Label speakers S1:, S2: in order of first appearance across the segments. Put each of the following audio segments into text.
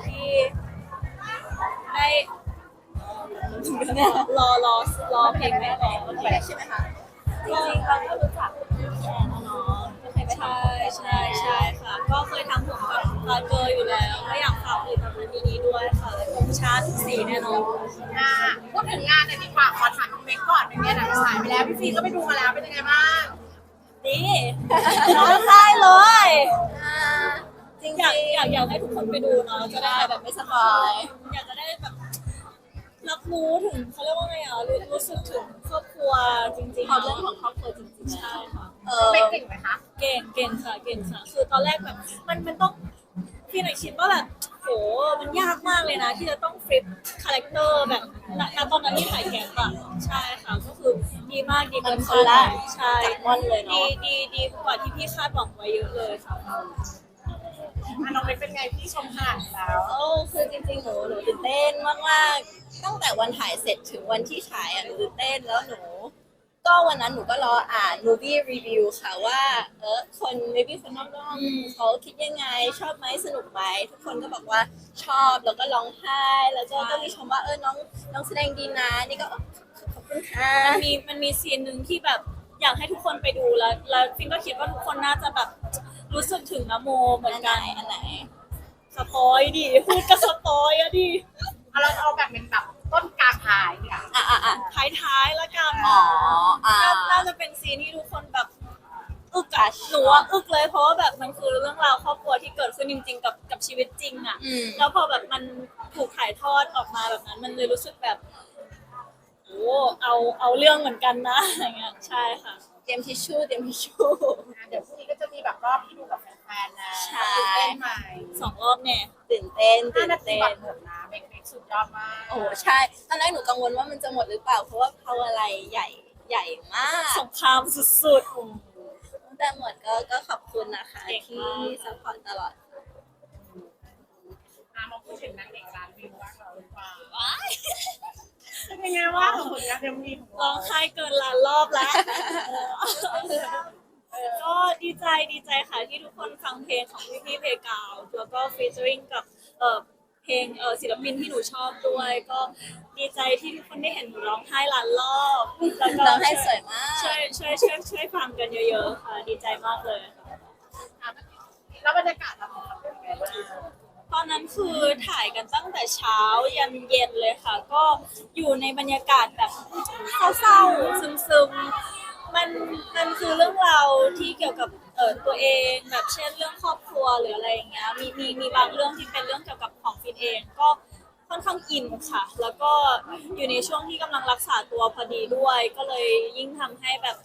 S1: ที่ได้รอเพลงแม่ร้องเมื่อกี้ใช่ไหมคะจริงๆเราก็รู้จักพี่แอนนะเนาะก็เคยไปทำใช่ค่ะก็เคยทำผมกับลาเกอร์อยู่แล้วก็อยากฝากผลิตภัณฑ์ดีๆด้วยค่ะผมชาทุกสีแน่นอน
S2: อ่าพูดถึงงานหน่อยดีกว่าขอถามน้องเมกก่อนเป็นไงหนังฉายไปแล้วพี่ฟีก็ไปดูมาแล้วเป็นยังไงบ้าง
S1: ดีร้องไห้เลยจริงอยากให้ทุกคนไปดูเนาะจะได้แบบไม่สบายอยากจะได้แบบรับรู้ถึงเขาเรียกว่าไงรู้สึกถึงครอบครัวจริงๆเรื่องของครอบครัวจริงๆใช่ค่ะ
S2: เมกเก่งไหมคะ
S1: เก่งค่ะคือตอนแรกแบบมันต้องพี่หน่อยคิดว่าแบบโหมันยากมากเลยนะที่จะต้องฟลิปคาแรคเตอร์แบบณตอนนั้นที่ถ่ายแกะอะใช่ค่ะก็คือดีมากดีเกินคาดใช่เลยเนาะดีกว่าที่พี่คาดหวังไว้เยอะเลยค่ะ
S2: น้องเมกเป็นไงพี่ชมผ่านแล้ว
S3: คือจริงๆหนูตื่นเต้นมากๆตั้งแต่วันถ่ายเสร็จถึงวันที่ฉายหนูตื่นเต้นแล้วก็วันนั้นหนูก็รออ่าน movie review ค่ะว่าคน maybe คนนอกๆเขาคิดยังไงชอบไหมสนุกไหมทุกคนก็บอกว่าชอบแล้วก็ร้องไห้แล้วก็มีชมว่าน้องแสดงดีนะนี่ก็ขอบคุณค่ะ
S1: มันมีซีนหนึ่งที่แบบอยากให้ทุกคนไปดูแล้วฟินก็คิดว่าทุกคนน่าจะแบบรู้สึกถึงนะโมเหมือนกัน
S3: อันไหน
S1: สปอยดิพูดก็สปอยอะดิ
S2: เราเอาแบบเป็นแบบต้นกลางท้ายเนี่ย
S1: ท้ายละกันน่าจะเป็นซีนที่ทุกคนแบบอึกอะหนูว่าอึกเลยเพราะว่าแบบมันคือเรื่องราวครอบครัวที่เกิดขึ้นจริงๆกับชีวิตจริงอะแล้วพอแบบมันถูกถ่ายทอดออกมาแบบนั้นมันเลยรู้สึกแบบโอ้เอาเรื่องเหมือนกันนะอย่างเงี้ยใช่ค่ะ
S3: เตรียมทิชชู่
S2: เดี๋ยวพรุ่งนี้ก็จะมีแบบรอบที่ดูกับแฟนๆนะ
S3: ใช่
S2: ตื่นเต้นไหม
S1: 2 รอบเนี่ย
S3: ตื่นเต้น
S2: 5 นาทีบัตรหมดนะเมกสุดยอดมาก
S3: โอ้ใช่ตอนแรกหนูกังวลว่ามันจะหมดหรือเปล่าเพราะว่าเขาอะไรใหญ่มาก
S1: สงครามสุด
S3: ๆแต่หมดก็ขอบคุณนะคะที่ซัพพอร์ตตลอด
S2: มาพูดถึงนางเอกร้านวิวบ้างเราหรือเปล่าเป็นไงว่าผลงานเต็มที่ของ
S1: ร้
S2: เรา
S1: องไห้เกินล้านรอบแล้วก็ดีใจค่ะที่ทุกคนฟังเพลงของพี่เพกาวแล้วก็ฟีเจอริงกับเพลงศิลปินที่หนูชอบด้วยก็ดีใจที่ทุกคนได้เห็นหนูร้องไห้ล้านรอบ
S3: แล้วก็ร้องไห้สวยมาก
S1: ช่วยฟังกันเยอะๆค่ะดีใจมากเลยค่ะ
S2: แล้วบรรยากาศเราเป็นไงบ้าง
S1: ตอนนั้นคือถ่ายกันตั้งแต่เช้ายันเย็นเลยค่ะก็อยู่ในบรรยากาศแบบเศร้าๆซึมๆมันคือเรื่องราวที่เกี่ยวกับตัวเองแบบเช่นเรื่องครอบครัวหรืออะไรอย่างเงี้ยมีบางเรื่องที่เป็นเรื่องเกี่ยวกับของฟินเองก็ค่อนข้างอินค่ะแล้วก็อยู่ในช่วงที่กำลังรักษาตัวพอดีด้วยก็เลยยิ่งทำให้แบบ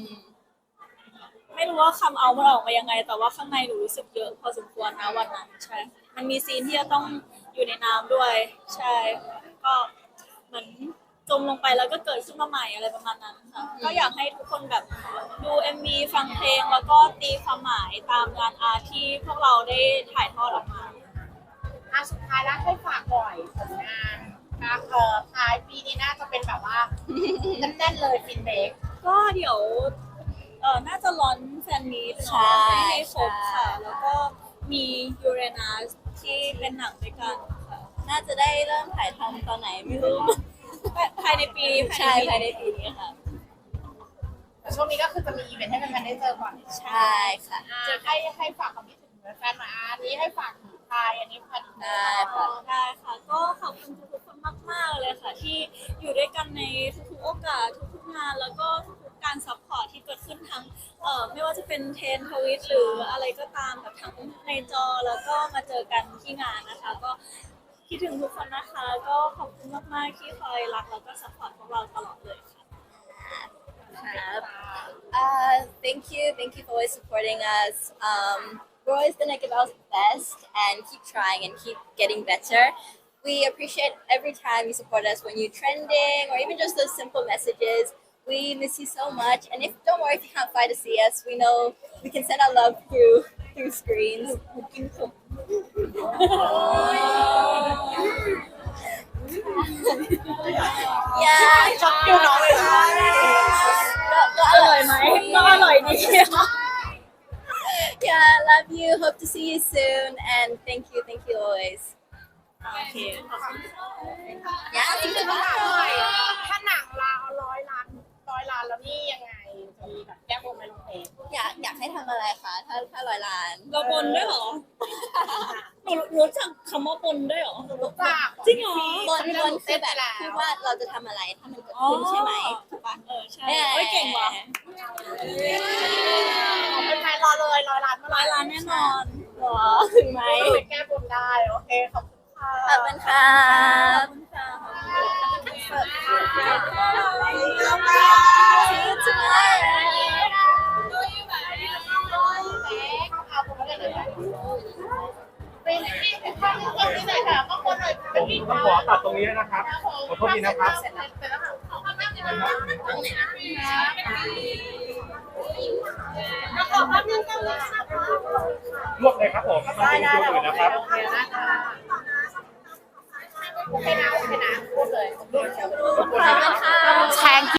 S1: ไม่รู้ว่าคำเอามันออกมายังไงแต่ว่าข้างในหนูรู้สึกเยอะพอสมควรนะวันนั้นใช่มันมีซีนที่จะต้องอยู่ในน้ำด้วยใช่ก็เหมือนจมลงไปแล้วก็เกิดขึ้นมาใหม่อะไรประมาณนั้นค่ะก็อยากให้ทุกคนแบบดู MV ฟังเพลงแล้วก็ตีความหมายตามงานอาร์ตที่พวกเราได้ถ่ายทอดออกมา
S2: สุดท้ายแล้วให้ฝากบ่อยผลงานท้ายปีนี้น่าจะเป็นแบบว่าแน่นๆเลยฟินเบก
S1: ก็เดี๋ยวน่าจะร้อนแฟนมีตเนาะให้ครบค่ะแล้วก็มียูเรนัสที่เป็นหนังด้วยกันค่ะ
S3: น่าจะได้เริ่มถ่ายทำตอนไหนไม่รู้
S1: ภายในปี
S3: ใช่ภายในปีนี้ค่ะ
S2: แต่ช่วงนี้ก็คือจะมีอีเวนต์ให้แฟนๆได้เจอก่อน
S3: ใช่ค่ะ
S2: จะให้ฝากความคิดถึงแฟนๆมาอันนี้ให้ฝากถึงไทยอันนี้พัน
S1: ได้ค่ะก็ขอบคุณทุกคนมากๆเลยค่ะที่อยู่ด้วยกันในทุกๆโอกาสทุกๆงานแล้วก็ทุกๆการซัพพอร์ตที่เกิดขึ้นทั้งไม่ว่าจะเป็นเทรนทวิตหรืออะไรก็ตามแบบทั้งในจอแล้วก็มาเจอกันที่งานนะคะก็คิดถึงทุกคนนะคะก็ขอบคุณมากๆที่คอยรักแล้วก็ซัพพอร์ตพวกเราตลอดเลยค่ะ
S3: Thank you for always supporting us. We're always gonna give our best and keep trying and keep getting better. We appreciate every time you support us when you're trending or even just those simple messages. We miss you so much. And don't worry if you can't fly to see us. We know we can send our love through screens. Yeah.
S2: ช็อตคิวน้องเลยค่ะ
S1: ก็อร่อยไหมก็อร่อยดี
S3: Yeah, love you. Hope to see you soon. And thank you always.
S1: โอเคขอบคุณ
S3: เนี่ยจริงๆว่า
S2: ถ้าหนังเรา100 ล้านแล้วนี่ยังไงจะมีแบบแก้บนไหมน้องเพชร
S3: อยากให้ทำอะไรคะถ้า100 ล้าน
S1: เราบนด้วยเหรอหนูรู้จักคำว่าบนด้วยเหรอ
S2: รู้จัก
S1: จริงเหรอ
S3: บนคือแบบพูดว่าเราจะทำอะไรถ้ามันเกิดขึ้นใช่ไหมถูกปะ
S1: ใช่เฮ้ยเก่งว่ะ
S2: เป็นไงรอเลย100 ล้านเมื่อไหร่
S1: 100 ล้านแน่นอน
S3: หรอถึงไหม
S2: ไปแก้บนได้โอเคขอบคุณค่ะ
S3: ขอบคุณค่ะ
S1: ขอบคุณค่ะ
S3: See you tomorrow
S4: ผมต้องขอตัดตรงนี้นะครับ ขอโทษทีนะครับ ลวกเลยครับผมต้องเป็นตัวอื่นนะครับ
S2: โอเคนะคะโอเคนะพูดเลย
S3: ขอบคุณค่ะ
S2: แชง